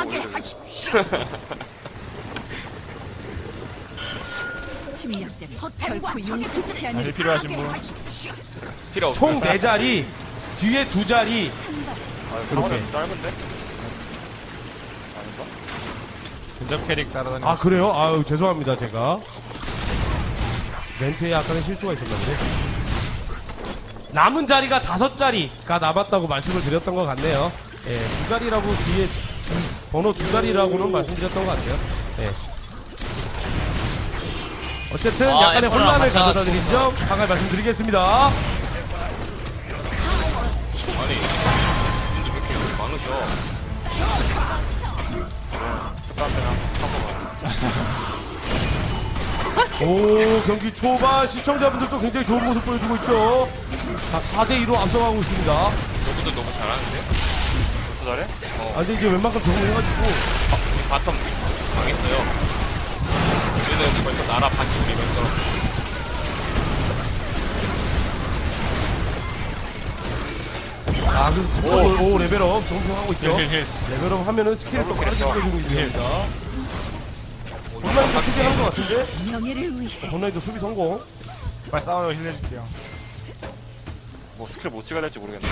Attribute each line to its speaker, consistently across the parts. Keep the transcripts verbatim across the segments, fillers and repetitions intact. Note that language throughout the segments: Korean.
Speaker 1: 일 필요하신 분?
Speaker 2: 필요 없어.
Speaker 3: 총 네 자리, 뒤에 두 자리.
Speaker 4: 아,
Speaker 3: 그렇게.
Speaker 4: 짧은데? 아닌가?
Speaker 1: 근접 캐릭 따라다니는.
Speaker 3: 아 그래요? 아유 죄송합니다 제가 멘트에 약간의 실수가 있었는데 남은 자리가 다섯 자리가 남았다고 말씀을 드렸던 것 같네요. 예, 두 자리라고 뒤에 번호 두 자리라고는 말씀드렸던 것 같아요. 예. 어쨌든
Speaker 2: 아,
Speaker 3: 약간의
Speaker 2: 애플랑
Speaker 3: 혼란을
Speaker 2: 같이
Speaker 3: 가져다 드린 점 사과의 말씀드리겠습니다.
Speaker 2: 아니, 근데 왜 이렇게 많으셔?
Speaker 3: 오 경기 초반 시청자분들도 굉장히 좋은 모습 보여주고 있죠. 자 사 대 이로 앞서가고 있습니다.
Speaker 2: 너희들 너무 잘하는데?
Speaker 4: 벌써 잘해?
Speaker 2: 어.
Speaker 3: 아 근데 이제 웬만큼 적응해가지고
Speaker 2: 아, 우리 바텀 망했어요. 우리는 벌써 나라 반쯤 밀면서.
Speaker 3: 아 그래서 오, 오 레벨업 정승하고 있죠.
Speaker 1: 힐힐힐.
Speaker 3: 레벨업 하면은 스킬을 또 빠르게 보여주고 있습니다. 본라인도 수비한 것 같은데?
Speaker 5: 명예를 위해
Speaker 3: 본라인도 수비 성공.
Speaker 1: 빨리 싸워요. 힐내줄게요.
Speaker 4: 뭐 스킬 못 찍어야 될지 모르겠네.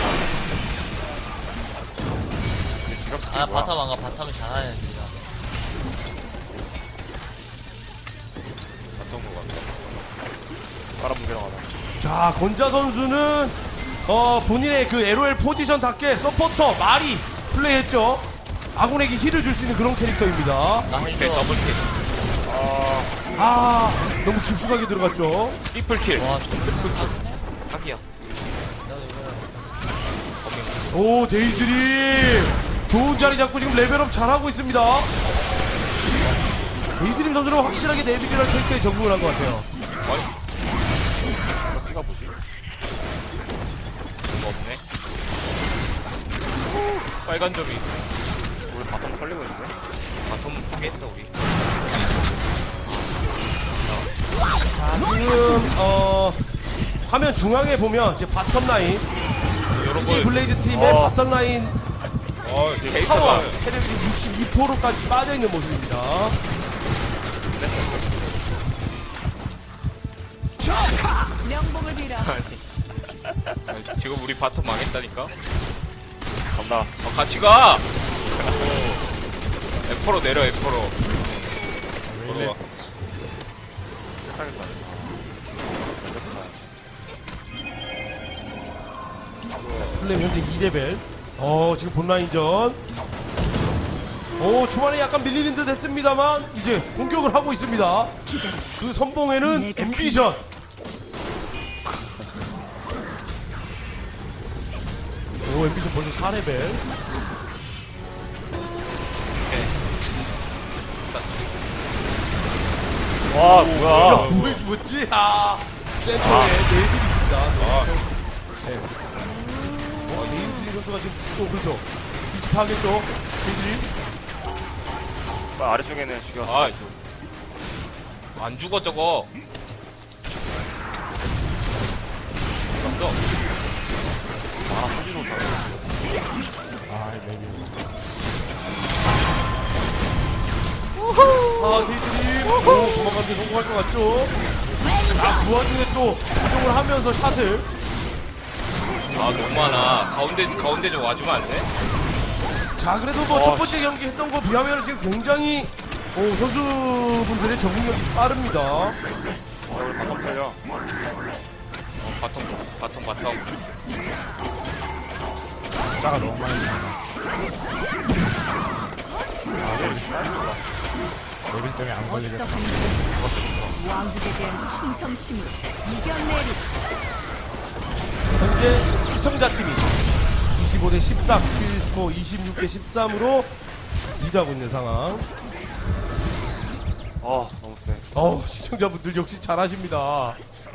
Speaker 4: 이게 지갑 스킬
Speaker 6: 아
Speaker 4: 뭐야?
Speaker 6: 바텀 안가 바텀이 잘하네 진짜.
Speaker 2: 어떤 거 같아?
Speaker 4: 빨아뭉개러 가다.
Speaker 3: 자 건자 선수는 어 본인의 그 엘오엘 포지션답게 서포터 마리 플레이했죠. 아군에게 힐을 줄 수 있는 그런 캐릭터입니다.
Speaker 6: 나
Speaker 2: 오케이,
Speaker 6: 힐
Speaker 2: 더블킬.
Speaker 4: 아,
Speaker 3: 아 너무 깊숙하게 들어갔죠.
Speaker 2: 트리플킬.
Speaker 6: 와 진짜
Speaker 2: 사기야.
Speaker 6: 나도 이거
Speaker 3: 오 데이드림 좋은 자리 잡고 지금 레벨업 잘하고 있습니다. 데이드림 선수는 확실하게 네비규럴 캐릭터에 적응을 한 것 같아요.
Speaker 2: 아니, 이거 뭐지? 이거 없네. 빨간 점이.
Speaker 4: 우리 바텀 털리고 있는데?
Speaker 2: 바텀 포기했어, 우리.
Speaker 3: 자 지금 어 화면 중앙에 보면 이제 바텀 라인 이
Speaker 2: 여러분,
Speaker 3: 블레이즈 팀의
Speaker 4: 어.
Speaker 3: 바텀 라인
Speaker 2: 어,
Speaker 3: 파워
Speaker 2: 캐릭터가.
Speaker 3: 체력이 육십이 퍼센트까지 빠져 있는 모습입니다.
Speaker 5: 명복을 빌어.
Speaker 2: 아니. 아니, 지금 우리 바텀 망했다니까?
Speaker 4: 간다.
Speaker 2: 어, 같이 가! 에퍼로 내려, 에퍼로. 걸어와.
Speaker 4: 하겠다.
Speaker 3: 플레임 현재 이 레벨. 어 지금 본라인전. 오 초반에 약간 밀리는 듯 했습니다만 이제 공격을 하고 있습니다. 그 선봉에는 앰비션. 오 앰비션 벌써 사 레벨.
Speaker 4: 와,
Speaker 3: 야
Speaker 4: 뭐야.
Speaker 3: 뭘 죽었지? 아 센터에 네이들이 있습니다.
Speaker 2: 아.
Speaker 3: 네. 어 네이들이 선수가 지금 또 그렇죠. 위치 파악했죠. 네이들이.
Speaker 4: 아, 아래쪽에는 죽여.
Speaker 2: 아, 저. 안 죽어, 저거. 죽었어.
Speaker 4: 아, 하지 못하
Speaker 1: 아 레벨.
Speaker 3: 아, 데이트님. 오, 도망가는데 성공할 것 같죠? 아, 그 와중에 또 이동을 하면서 샷을.
Speaker 2: 아, 너무 많아. 가운데, 가운데 좀 와주면 안 돼?
Speaker 3: 자, 그래도 뭐 첫 번째 경기 했던 거 비하면 지금 굉장히 오, 선수분들의 적응력이 빠릅니다.
Speaker 4: 아, 우리 바텀 털려.
Speaker 2: 어, 바텀, 바텀, 바텀.
Speaker 1: 숫자가 너무 많이 나와. 레벨 때문에 안 걸리겠다.
Speaker 5: 어떠한지 왕국에 대한 충성심으로 이겨내리.
Speaker 3: 현재 시청자팀이 이십오 대 십삼, 킬스코어 이십육 대 십삼으로 리드하고 있는 상황.
Speaker 4: 아, 너무 세.
Speaker 3: 어우, 시청자분들 역시 잘하십니다.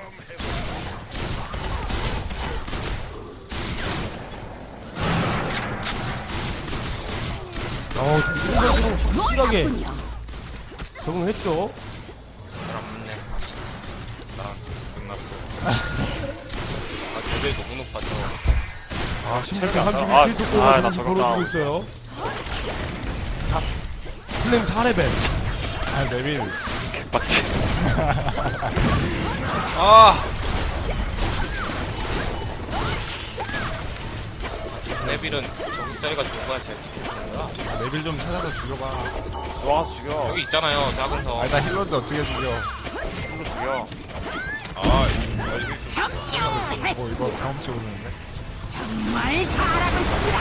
Speaker 3: 어, 이런 선수는 확실하게 적응했죠.
Speaker 2: 사람 없네. 나, 끝났어. 아, 레벨 너무 높아져.
Speaker 3: 아, 십육 대
Speaker 4: 체력이 안
Speaker 3: 삼십일
Speaker 4: 나- 아,
Speaker 3: 킬스코어가
Speaker 4: 아,
Speaker 3: 지금
Speaker 4: 나 저거
Speaker 3: 벌어지고
Speaker 4: 나-
Speaker 3: 있어요. 자, 슬램 사 레벨.
Speaker 1: 아, 레빌.
Speaker 4: 개빡치.
Speaker 2: 아! 레빌은 저기 자리가 좋은 거야, 잘 지키는 거야?
Speaker 1: 아, 레빌 좀 찾아서 죽여봐.
Speaker 4: 들어가서 죽여.
Speaker 2: 여기 있잖아요, 작은 성.
Speaker 1: 아, 나 힐러인데 어떻게 죽여.
Speaker 4: 힐로 죽여.
Speaker 2: 아,
Speaker 1: 뭐, 이거 경험치 오르는데?
Speaker 5: 정말 잘하고 있습니다.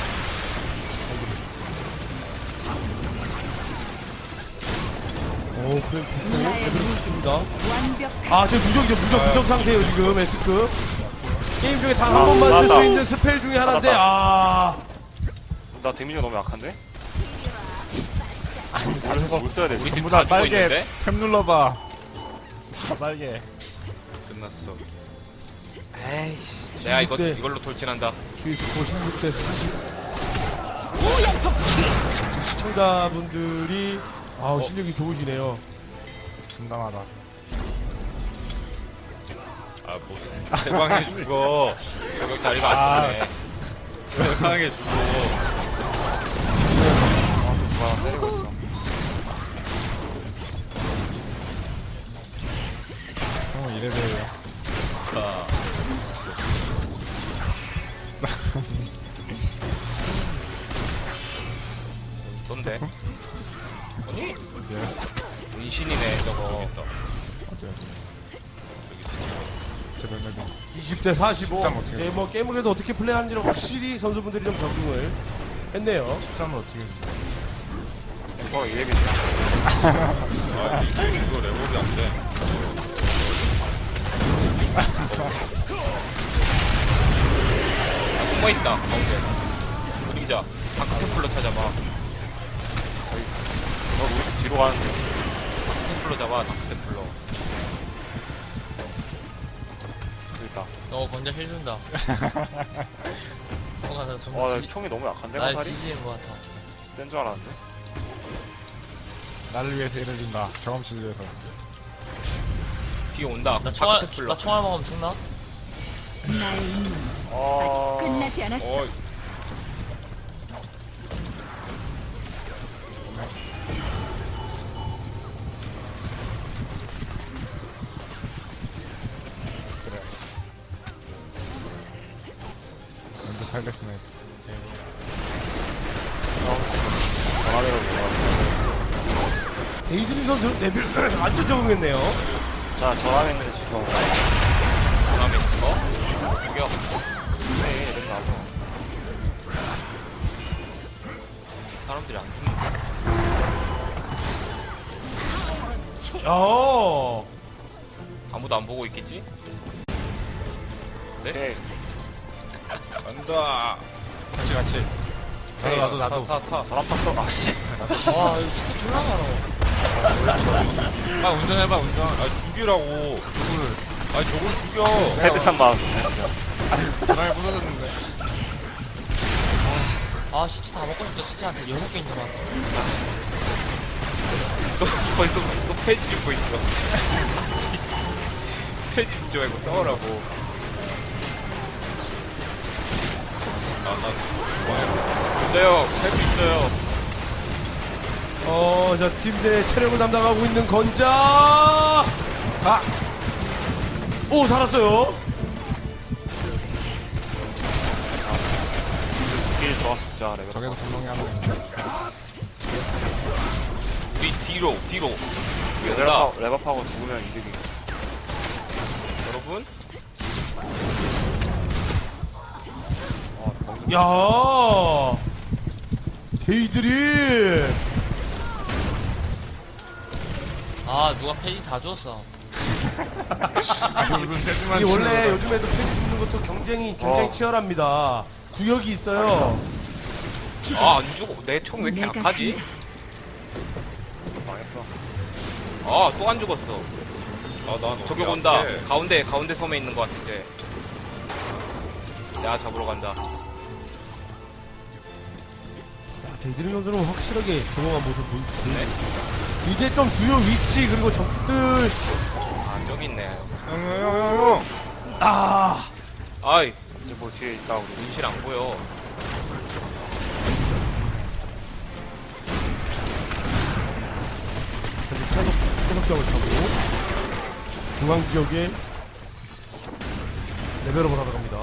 Speaker 3: 오, 그래, 좋고.
Speaker 5: 나의
Speaker 3: 레벨이 좋습니다.
Speaker 5: 완벽한
Speaker 3: 아, 저 무적이죠. 무적, 무적 상태예요, 지금, S급. 게임 중에 단 한 번만 쓸
Speaker 4: 맞다.
Speaker 3: 수 있는 스펠 중에 하나인데, 아.
Speaker 4: 나 데미지가 너무 약한데?
Speaker 1: 다른 거
Speaker 4: 뭘 써야 되지?
Speaker 2: 우리
Speaker 1: 전부
Speaker 2: 팀
Speaker 1: 다
Speaker 2: 다 죽어
Speaker 1: 빨개.
Speaker 2: 있는데?
Speaker 1: 탭 눌러봐. 다 빨개.
Speaker 2: 끝났어. 에이씨. 내가 이거,
Speaker 3: 십육 대.
Speaker 2: 이걸로 돌진한다.
Speaker 3: 퀴즈코 십육 대 사십. 지금 시청자분들이, 아우, 실력이 좋으시네요.
Speaker 1: 진담하다.
Speaker 2: 아, 무슨. 대방에 죽어. 여기 자리가 안 좋네. 대방에 죽어.
Speaker 1: 아, 또 누가 때리고 있어. 형은 이래봬요.
Speaker 2: 아. 떤데? 아니?
Speaker 1: 예.
Speaker 2: 은신이네, 저거.
Speaker 1: 어때, 어때. 제 멤버들.
Speaker 3: 이십 대 사십오.
Speaker 1: 십삼 어떻게
Speaker 3: 이제 뭐 게임을 그래도 어떻게 플레이하는지를 확실히 선수분들이 좀 적응을 했네요.
Speaker 1: 십삼을 어떻게 해.
Speaker 4: 이거 이 얘기지.
Speaker 2: 아, 이거, 이거 레벨이 안 돼. 숨어있다, 가운데. 그림자. 다크템플러 찾아봐.
Speaker 4: 너 우리 뒤로 가는데.
Speaker 2: 다크템플러 잡아, 다크템플러.
Speaker 4: 저기 있다.
Speaker 6: 너 건져 힐준다. 뭔가 나
Speaker 4: 와,
Speaker 6: 정말
Speaker 4: 나
Speaker 6: 지지,
Speaker 4: 총이 너무 약한데,
Speaker 6: 날
Speaker 4: 화살이?
Speaker 6: 지지인 것 같아.
Speaker 4: 센 줄 알았는데.
Speaker 1: 나를 위해서 일을 준다. 경험치를 위해서.
Speaker 2: 뒤에 온다.
Speaker 6: 나 총알,
Speaker 2: 다크템플러.
Speaker 6: 나 총알 먹으면 죽나?
Speaker 5: 나의 임무는
Speaker 4: 어...
Speaker 5: 아직 끝나지 않았어.
Speaker 2: 어,
Speaker 1: 그래. 먼저 팔레스나이트.
Speaker 4: 전화대로 올라가.
Speaker 3: 데이드림 선수는 레벨 완전 적응했네요.
Speaker 4: 자, 전화했는데 지금.
Speaker 2: 다음에 이거. 죽여.
Speaker 4: 네, 이런 거 하고.
Speaker 2: 사람들이 안 죽는데?
Speaker 3: 어.
Speaker 2: 아무도 안 보고 있겠지?
Speaker 4: 오케이.
Speaker 2: 간다.
Speaker 1: 같이, 같이. 나도, 나도, 나도.
Speaker 2: 타, 타, 타.
Speaker 4: 전화 탔어. 아, 씨.
Speaker 6: 와, 이거 진짜 졸라 많아.
Speaker 2: 아, 운전해봐, 운전. 아, 죽이라고. 누굴. 아, 저걸 죽여.
Speaker 4: 헤드샷 마음.
Speaker 1: 전화기 부서졌는데.
Speaker 6: 아, 시체 다 먹고 싶다. 시체한테 여섯 개 있는 것 같아.
Speaker 2: 또, 벌써, 또 페이지 짚고 있어. 페이지 짚지 말고 싸우라고. 아, 나, 뭐야. 진짜요, 할 수 있어요.
Speaker 3: 어, 자, 팀 내 체력을 담당하고 있는 건자! 아! 오, 살았어요.
Speaker 4: 길 좋았어, 진짜. 레벨.
Speaker 1: 저게도 분명히 하고 있는데.
Speaker 2: 우리 뒤로, 뒤로.
Speaker 4: 레벨
Speaker 2: 얘들아,
Speaker 4: 랩업, 랩업하고 죽으면 이득이.
Speaker 2: 여러분.
Speaker 4: 어, 멍
Speaker 3: 야 데이드림!
Speaker 6: 아, 누가 페이지 다 줬어.
Speaker 1: 아니, 무슨 세지만
Speaker 3: 이 원래 요즘에도 펜 죽는 것도 경쟁이 굉장히
Speaker 4: 어.
Speaker 3: 치열합니다. 구역이 있어요.
Speaker 2: 아, 안 죽어. 내 총 왜 이렇게
Speaker 5: 내가
Speaker 2: 약하지?
Speaker 4: 망했어.
Speaker 2: 아, 또 안 죽었어.
Speaker 7: 아, 난
Speaker 2: 저기 온다. 가운데, 가운데 섬에 있는 것 같아, 이제. 내가 잡으러 간다.
Speaker 3: 데이드림 선수는 확실하게 조용한 모습 보이고
Speaker 2: 네.
Speaker 3: 이제 좀 주요 위치 그리고 적들
Speaker 2: 아, 저기 있네.
Speaker 1: 형, 형, 형, 형, 형.
Speaker 3: 아
Speaker 2: 아이,
Speaker 4: 이제 뭐 뒤에 있다, 우리.
Speaker 2: 눈실 안 보여.
Speaker 3: 태습병을 타고 중앙 지역에 레벨업을 하러 갑니다.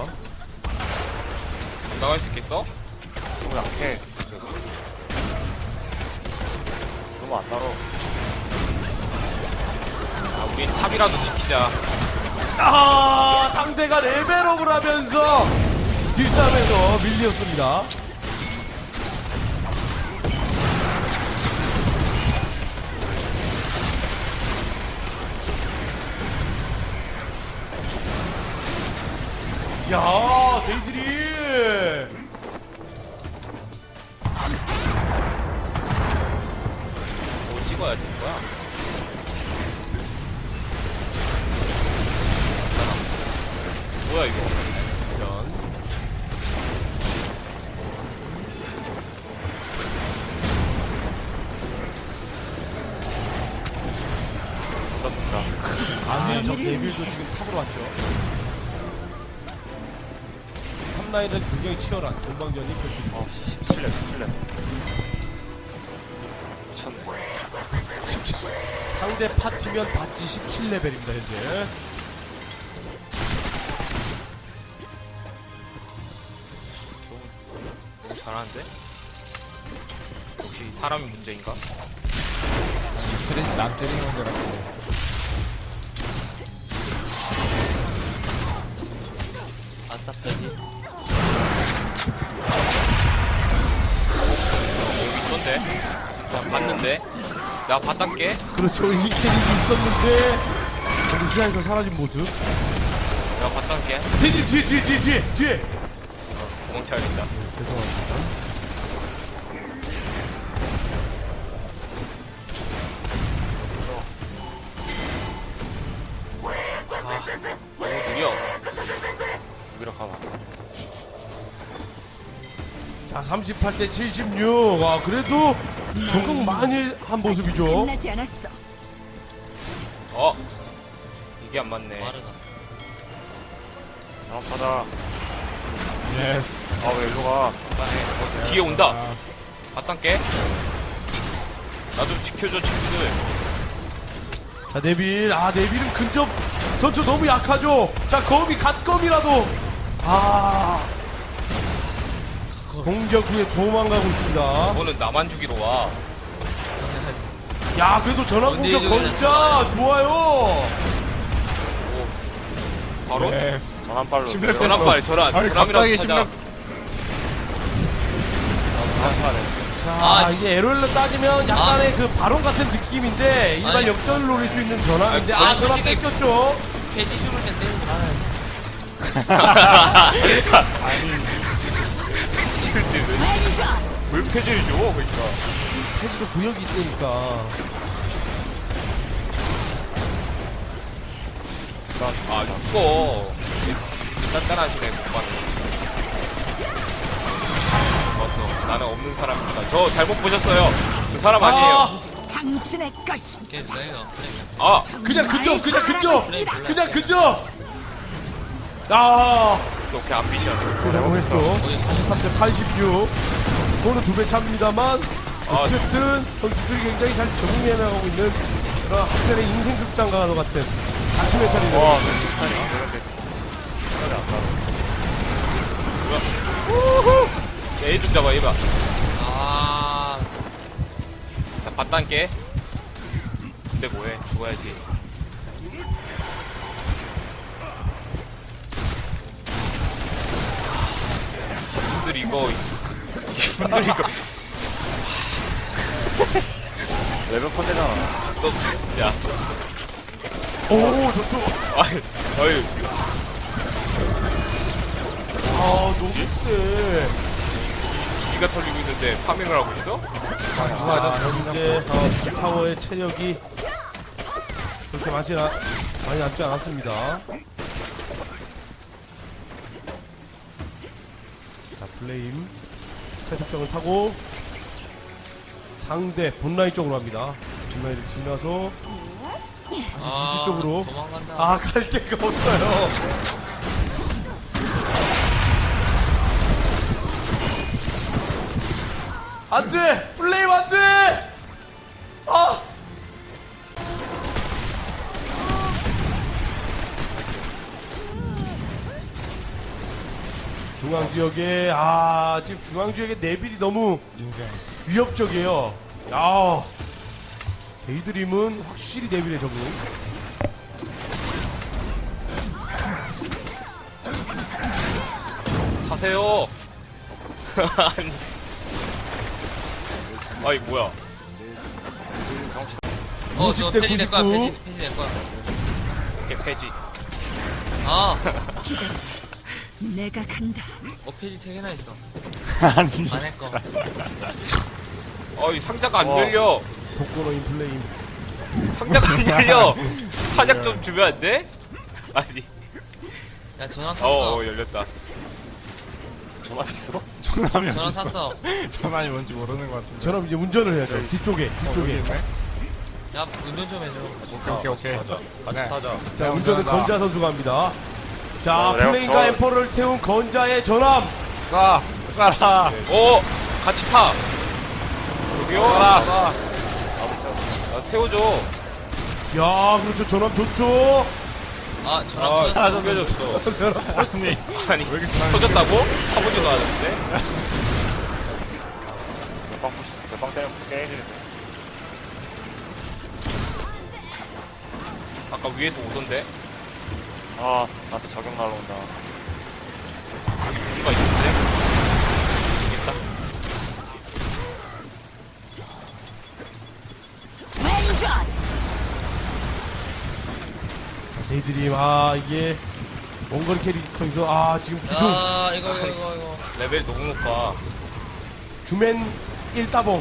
Speaker 2: 나갈 수 있겠어?
Speaker 4: 너무 약해. 너무 안 따로.
Speaker 2: 아, 우린 탑이라도 지키자.
Speaker 3: 아, 상대가 레벨업을 하면서 뒷싸움에서 밀렸습니다. 야, 데이들이
Speaker 2: 뭐 찍어야 되는 거야? 뭐야 이거?
Speaker 3: 이런
Speaker 4: 좋다, 좋다.
Speaker 3: 아, 저 네빌도 지금 탑으로 왔죠. 탑라인은 굉장히 치열한 공방전이 펼쳐집니다.
Speaker 4: 어, 십칠 레벨, 십칠 레벨. 미쳤네.
Speaker 3: 상대 파티면 다치 십칠 레벨입니다, 현재.
Speaker 2: 너무 잘하는데? 혹시 사람이 문제인가?
Speaker 1: 트레, 남 트레이닝 온 줄 알았고.
Speaker 6: 아싸 페이지.
Speaker 2: 여기 있던데? 나 봤는데? 나 봤단게?
Speaker 3: 그렇죠. 이 캐릭이 있었는데, 저기 시야에서 사라진 모습.
Speaker 2: 내가 봤단게?
Speaker 3: 데이들이 뒤에, 뒤에, 뒤에, 뒤에, 뒤에!
Speaker 2: 도망쳐야겠다.
Speaker 3: 죄송합니다.
Speaker 2: 아, 너무 느려.
Speaker 4: 여기로 가봐.
Speaker 3: 자, 삼십팔 대 칠십육. 아, 그래도 적응 많이 한 모습이죠.
Speaker 5: 끝나지 않았어.
Speaker 2: 어? 이게 안 맞네.
Speaker 6: 빠르다.
Speaker 4: 잘못하다.
Speaker 1: 예스.
Speaker 4: 아, 왜 일로 가?
Speaker 2: 맞네. 어, 뒤에 온다. 봤단게? 나도 지켜줘, 친구들.
Speaker 3: 자, 네빌. 아, 네빌은 근접 전투 너무 약하죠. 자, 거미, 갓검이라도. 아. 공격 후에 도망가고 있습니다.
Speaker 2: 너는 나만 죽이러 와.
Speaker 3: 야, 그래도 전환 공격 건자 좋아요.
Speaker 2: 오. 바로?
Speaker 1: 예스.
Speaker 4: 전환발로.
Speaker 1: 심플
Speaker 2: 전환발, 전환.
Speaker 1: 아니,
Speaker 2: 전환이라도
Speaker 1: 갑자기
Speaker 2: 타자.
Speaker 1: 심장-
Speaker 4: 전환발에.
Speaker 3: 자,
Speaker 6: 아,
Speaker 3: 이제 에로일로 따지면 약간의 그 바론 같은 느낌인데 일반
Speaker 6: 아니.
Speaker 3: 역전을 노릴 수 있는 전환인데
Speaker 2: 아니,
Speaker 3: 아, 전환
Speaker 6: 솔직히-
Speaker 3: 뺏겼죠.
Speaker 6: 페이지 죽을 때 때리지 말아야지.
Speaker 2: 왜 패지를 줘? 그러니까.
Speaker 3: 페이지도 구역이 있으니까.
Speaker 2: 아, 죽어. 단단하시네, 오빠는. 좋았어. 나는 없는 사람입니다. 저 잘못 보셨어요. 저 사람 아니에요.
Speaker 5: 당신의 것이.
Speaker 6: 걔 내가
Speaker 2: 아,
Speaker 3: 그냥 근접, 그냥 근접,
Speaker 6: 플레이 몰라.
Speaker 3: 그냥 근접. 아,
Speaker 2: 이렇게 암비션.
Speaker 3: 성공했죠. 사십삼 대 팔십육. 스코어는 두 배 차입니다만
Speaker 2: 아,
Speaker 3: 어쨌든 선수들이 굉장히 잘 적응해 나가고 있는 그런 한편의 인생 극장과도 같은 다큐멘터리네요.
Speaker 4: 와, 스타일이 그런데. 스타일이 안 따로.
Speaker 2: 얘 좀 잡아, 얘 봐.
Speaker 6: 아,
Speaker 2: 자, 봤단게. 근데 뭐해? 죽어야지. 분들 이거, 분들 이거,
Speaker 4: 레벨 컨대잖아.
Speaker 2: 너, 야,
Speaker 3: 오, 좋죠.
Speaker 2: 아이, 어이,
Speaker 3: 아, 너무 세.
Speaker 2: 기가 털리고 있는데 파밍을 하고 있어?
Speaker 3: 아, 현재 어, 타워의 체력이 그렇게 많지 않, 많이 남지 않았습니다. 자, 플레임 태습병을 타고 상대 본라인 쪽으로 갑니다. 본라인을 지나서 다시
Speaker 6: 아,
Speaker 3: 미드 쪽으로.
Speaker 6: 도망간다.
Speaker 3: 아, 갈 데가 없어요. 안 돼! 플레임 안 돼! 아! 중앙 지역에 아 지금 중앙 지역에 네빌이 너무
Speaker 1: 인생.
Speaker 3: 위협적이에요. 야 데이드림은 확실히 네빌에 적응.
Speaker 2: 하세요. 아니. 아이 뭐야?
Speaker 6: 어,
Speaker 3: 오십
Speaker 6: 저
Speaker 3: 대
Speaker 6: 폐지 될 거야,
Speaker 3: 구십구.
Speaker 6: 폐지, 폐지 될 거야.
Speaker 2: 이게 폐지.
Speaker 6: 아,
Speaker 5: 내가 간다.
Speaker 6: 어, 폐지 세 개나 있어.
Speaker 1: 아니.
Speaker 6: 안할 거.
Speaker 2: 어이 상자가 안
Speaker 4: 와.
Speaker 2: 열려.
Speaker 3: 독거노 인플레임.
Speaker 2: 상자가 안 열려. 사작 좀 주면 안 돼? 아니.
Speaker 6: 야, 전화
Speaker 2: 어,
Speaker 6: 샀어.
Speaker 2: 어 열렸다.
Speaker 4: 전화 있어?
Speaker 1: 전함이
Speaker 6: 전화 샀어.
Speaker 1: 전함이 뭔지 모르는 것 같은데.
Speaker 3: 저럼 이제 운전을 해야죠. 뒤쪽에
Speaker 1: 어,
Speaker 3: 뒤쪽에.
Speaker 1: 여기 있네.
Speaker 6: 야, 운전 좀 해줘.
Speaker 1: 오케이 오케이.
Speaker 4: 같이
Speaker 1: 네.
Speaker 4: 타자.
Speaker 3: 자
Speaker 1: 네,
Speaker 3: 운전은
Speaker 1: 운전한다.
Speaker 3: 건자 선수가 합니다. 자
Speaker 4: 네, 내가
Speaker 3: 플레인과
Speaker 4: 저-
Speaker 3: 엠퍼를 태운 건자의 전함.
Speaker 1: 쏴 쏴라.
Speaker 2: 오 같이 타. 여기요. 나 태워줘.
Speaker 3: 야 그렇죠 전함 좋죠.
Speaker 6: 아, 전화
Speaker 2: 아,
Speaker 6: 터졌어.
Speaker 2: 숨겨졌어.
Speaker 1: 아니.
Speaker 2: 아니
Speaker 1: 왜 이렇게 전함이
Speaker 2: 터졌다고? 타보지도 않았는데.
Speaker 4: 몇방 몇방 때리면 깨지는데.
Speaker 2: 아까 위에서 오던데.
Speaker 4: 아, 나한테 적용 날라온다.
Speaker 2: 여기 누가 있는데? 있겠다.
Speaker 5: 왼전.
Speaker 3: 데이드림 아 이게 원거리 캐릭터에서 아 지금 기둥
Speaker 6: 아, 이거, 이거, 이거, 이거.
Speaker 2: 레벨 너무 높아.
Speaker 3: 주맨 일 따봉.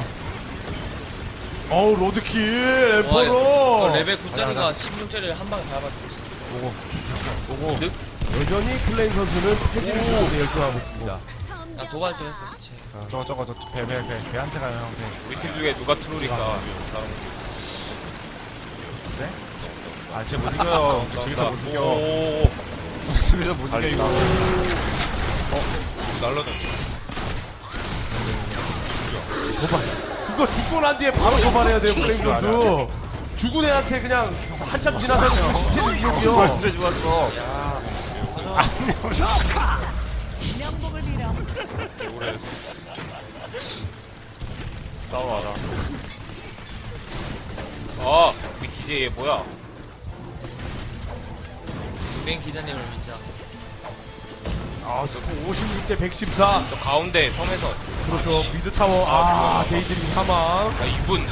Speaker 3: 어우 로드킬
Speaker 6: 와,
Speaker 3: 엠퍼로.
Speaker 6: 어, 레벨 구 짜리가 십육 짜리를 한 방에 밟아주고 있어.
Speaker 3: 오고 여전히 플레인 선수는 패지를 주고 데 열중하고 있습니다.
Speaker 6: 야, 도발도 했어, 진짜.
Speaker 1: 저거 저거 저 배 배 배 배한테 가요 형 배.
Speaker 2: 우리 팀 중에 누가 트롤일까?
Speaker 1: 아 진짜 못 이겨요. 저기서 못 이겨.
Speaker 2: 오,
Speaker 1: 저기서 못 이겨 이거.
Speaker 2: 날라다.
Speaker 3: 도발. 그거 죽고 난 뒤에 바로 도발해야 돼요 플레인 선수. 죽은 애한테 그냥 한참 지나서 그 신체를 이용이요.
Speaker 1: 언제 죽었어?
Speaker 5: 명복을 빌어.
Speaker 2: 오래
Speaker 4: 싸우러 가자.
Speaker 2: 아, 우리 디제이 얘 뭐야?
Speaker 6: 유명 기자님을 믿자.
Speaker 3: 아 스코 오십육 대 백십사.
Speaker 2: 또 가운데 섬에서.
Speaker 3: 그렇죠 미드 타워. 아 데이드림 사망.
Speaker 2: 아, 이분.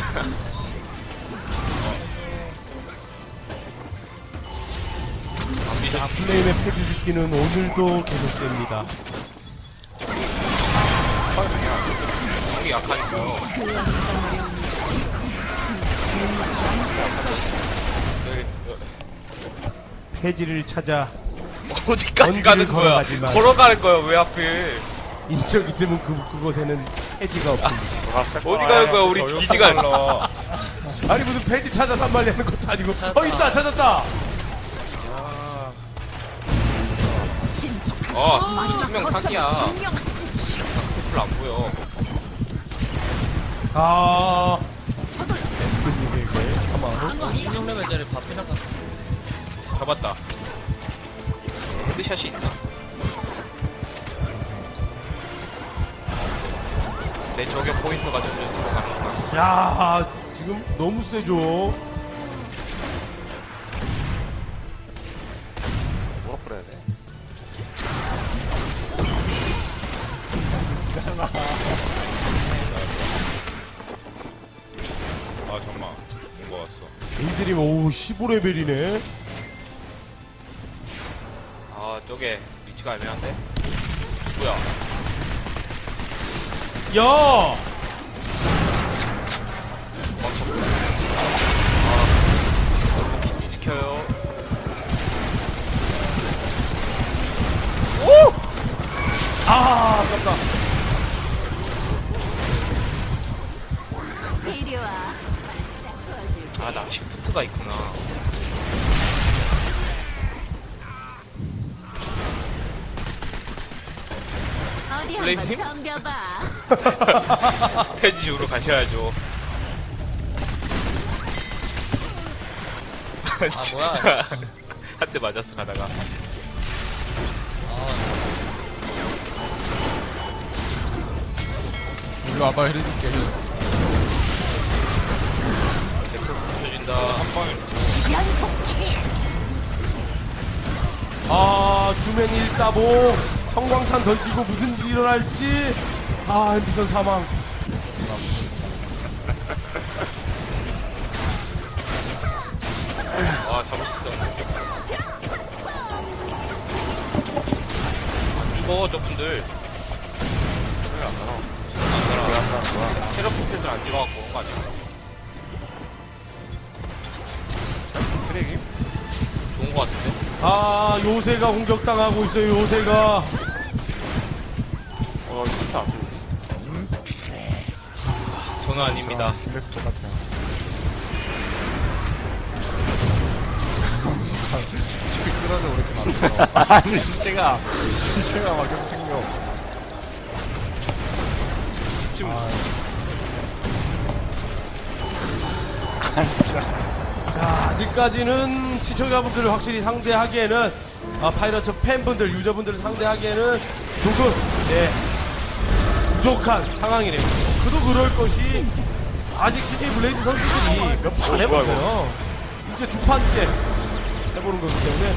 Speaker 3: 자 플레임의 패지 죽기는 오늘도 계속됩니다.
Speaker 2: 형이 약하니까요. 여기,
Speaker 3: 패지를 찾아
Speaker 2: 여- 어디까지
Speaker 3: 언제를
Speaker 2: 가는 거야?
Speaker 3: 걸어가지만.
Speaker 2: 걸어가는 거야, 왜 하필?
Speaker 3: 인적 있으면 그, 그곳에는 패지가 없습니다.
Speaker 2: 어디 가는 거야, 우리 기지가.
Speaker 3: 아니 무슨 패지 찾아 산말리하는 것도 아니고. 어 있다 찾았다.
Speaker 2: 어,
Speaker 5: 마지막
Speaker 2: 분명
Speaker 5: 거점을
Speaker 2: 사기야.
Speaker 5: 증명하지.
Speaker 2: 별로 안 보여.
Speaker 3: 아 에스크님에게 사망.
Speaker 6: 십육 레벨짜리 밥이나 갔어.
Speaker 2: 잡았다. 헤드샷이 있나? 내 저격 포인트가 점점 들어가는구나.
Speaker 3: 야 지금 너무 세죠.
Speaker 4: 뭐라 그래야 돼?
Speaker 2: 아, 잠깐만. 뭔거 왔어.
Speaker 3: 데이드림 오우 십오 레벨이네.
Speaker 2: 아, 저게 위치가 애매한데? 뭐야?
Speaker 3: 야
Speaker 2: 너무 지켜요.
Speaker 3: 아, 아깝다.
Speaker 5: 이리 와.
Speaker 2: 아, 나 시프트가 있구나.
Speaker 5: 어디
Speaker 2: 플레임팀?
Speaker 5: 한번 덤벼봐.
Speaker 2: 페이지로 가셔야죠.
Speaker 6: 아, 뭐야.
Speaker 2: 한 대 맞았어, 가다가.
Speaker 6: 아,
Speaker 1: 이거 아빠 해줄게.
Speaker 2: 넥서스 부셔진다. 한 방에.
Speaker 5: 연속킬.
Speaker 3: 아, 주맨 일따봉. 성광탄 던지고 무슨 일이 일어날지. 아, 미션 사망.
Speaker 2: 아, 잡을 수 있었는데. 안 죽어, 저분들.
Speaker 4: 왜안 나와?
Speaker 2: 안 살아.
Speaker 4: 왜안 나는 거야?
Speaker 2: 체력 스탯을 안 찍어갖고 그런 거 아니야?
Speaker 4: 트랙이?
Speaker 2: 좋은 거 같은데?
Speaker 3: 아, 요새가 공격당하고 있어요, 요새가.
Speaker 4: 어, 이거 진짜 안 돼.
Speaker 2: 저는 아닙니다.
Speaker 1: 그래서 똑같아요. 진짜 쭉 쓰러져 오랬지 않았어. 아니 시체가 시체가 막 계속 생겨.
Speaker 2: 지금
Speaker 1: 아 진짜.
Speaker 3: 자, 아직까지는 시청자분들을 확실히 상대하기에는, 아, 파이러츠 팬분들, 유저분들을 상대하기에는 조금, 네, 부족한 상황이네요. 그도 그럴 것이, 아직 씨제이 블레이드 선수들이 몇 판 해봤어요. 이제 두 판째 해보는 거기 때문에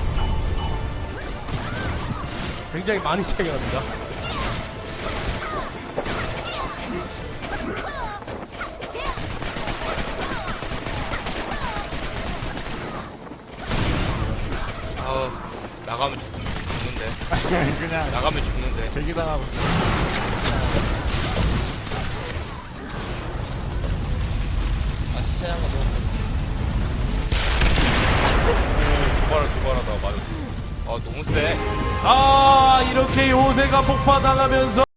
Speaker 3: 굉장히 많이 차이가 납니다.
Speaker 2: 아우, 나가면 죽, 죽는데.
Speaker 1: 그냥
Speaker 2: 나가면 죽는데.
Speaker 1: 대기당하고.
Speaker 6: 아 시체 한번 넣어.
Speaker 2: 두발 두발 하다가 맞았어. 아, 너무 세.
Speaker 3: 아, 이렇게 요새가 폭파당하면서